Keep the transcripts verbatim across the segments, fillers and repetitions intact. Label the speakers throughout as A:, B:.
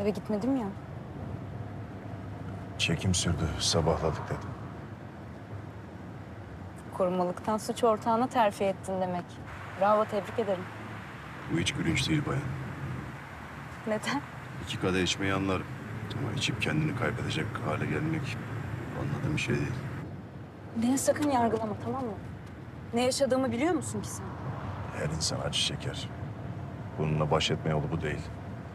A: Eve gitmedim ya.
B: Çekim sürdü, sabahladık dedim.
A: Korumalıktan suç ortağına terfi ettin demek. Bravo, tebrik ederim.
B: Bu hiç gülünç değil bayan.
A: Neden?
B: İki kadeh içmeyi anlarım. Ama içip kendini kaybedecek hale gelmek anladığım bir şey değil.
A: Beni sakın yargılama, tamam mı? Ne yaşadığımı biliyor musun ki sen?
B: Her insan acı çeker. Bununla baş etme yolu bu değil.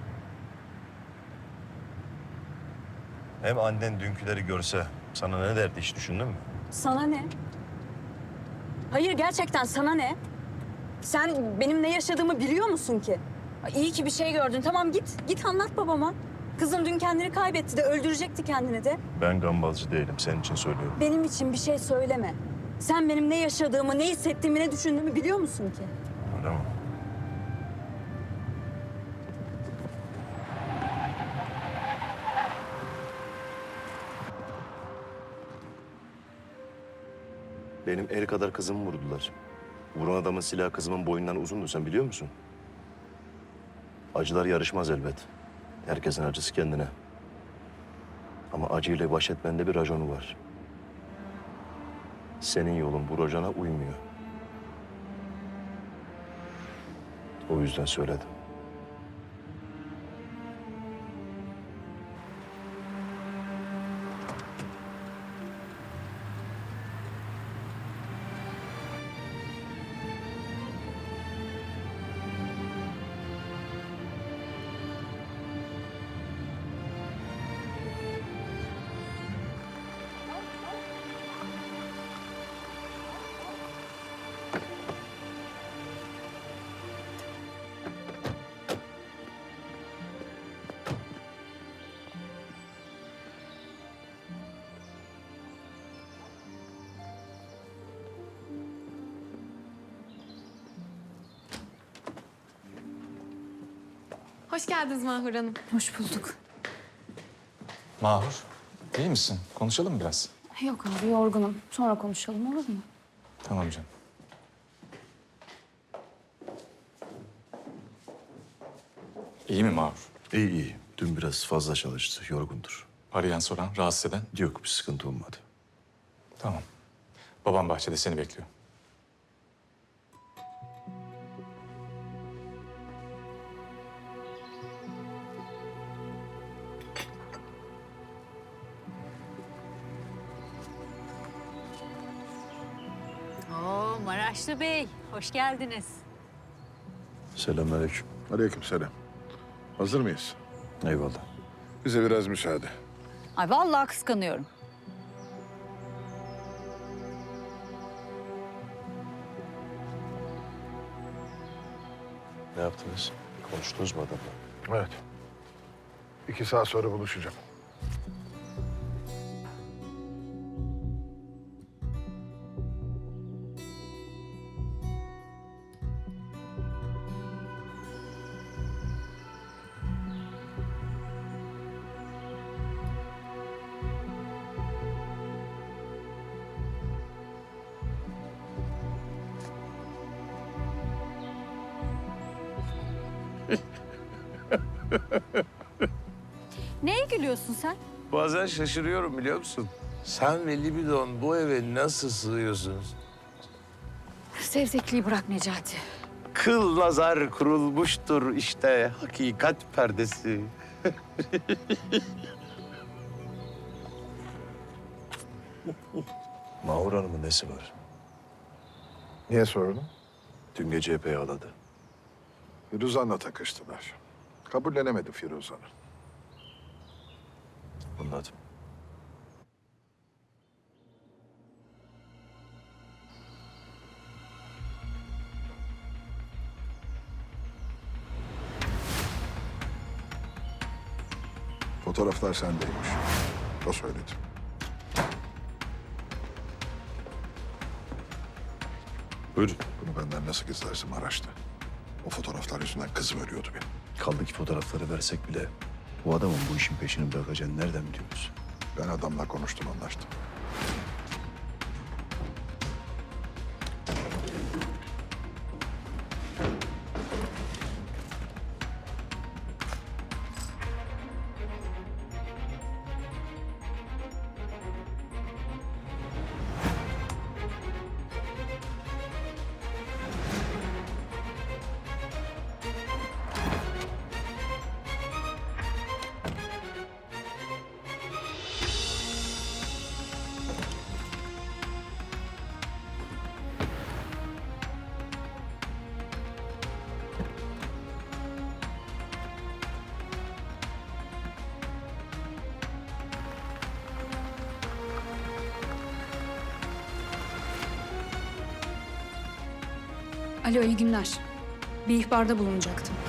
B: Hem annen dünküleri görse sana ne derdi hiç düşündün mü?
A: Sana ne? Hayır, gerçekten sana ne? Sen benim ne yaşadığımı biliyor musun ki? İyi ki bir şey gördün. Tamam, git. Git anlat babama. Kızım dün kendini kaybetti de öldürecekti kendini de.
B: Ben gambazcı değilim, senin için söylüyorum.
A: Benim için bir şey söyleme. Sen benim ne yaşadığımı, ne hissettiğimi, ne düşündüğümü biliyor musun ki?
B: Öyle mi? Benim el kadar kızımı vurdular. Vuran adamın silahı kızımın boyundan uzundu, sen biliyor musun? Acılar yarışmaz elbet. Herkesin acısı kendine. Ama acıyla baş etmenin de bir raconu var. Senin yolun bu racona uymuyor. O yüzden söyledim.
C: Hoş geldiniz Mahur Hanım.
A: Hoş bulduk.
D: Mahur, iyi misin? Konuşalım biraz.
A: Yok abi, yorgunum. Sonra konuşalım, olur mu?
D: Tamam canım. İyi mi Mahur?
B: İyi iyi. Dün biraz fazla çalıştı, yorgundur.
D: Arayan soran, rahatsız eden?
B: Yok, bir sıkıntı olmadı.
D: Tamam. Babam bahçede seni bekliyor.
E: Oo, Maraşlı Bey, hoş geldiniz.
B: Selamünaleyküm.
F: Aleykümselam. Hazır mıyız?
B: Eyvallah.
F: Bize biraz müsaade.
E: Ay vallahi kıskanıyorum.
B: Ne yaptınız? Konuştunuz mu adamla?
F: Evet. İki saat sonra buluşacağım.
E: Neye gülüyorsun sen?
G: Bazen şaşırıyorum biliyor musun? Sen ve Libidon bu eve nasıl sığıyorsunuz?
E: Sevzekliği bırak Necati.
G: Kıl nazar kurulmuştur işte hakikat perdesi.
B: Mahur Hanım'ın nesi var?
F: Niye sordun?
B: Dün gece epey ağladı.
F: Firuzan'la takıştılar. Kabullenemedi Firuzan'ı.
B: Anladım.
F: Fotoğraflar sendeymiş. O söyledi.
B: Buyurun.
F: Bunu benden nasıl gizlersin Maraş'ta? O fotoğraflar yüzünden kızım ölüyordu benim.
B: Kaldı ki fotoğrafları versek bile bu adamın bu işin peşini bırakacağını nereden biliyoruz?
F: Ben adamla konuştum, anlaştım.
C: Alo, iyi günler. Bir ihbarda bulunacaktım.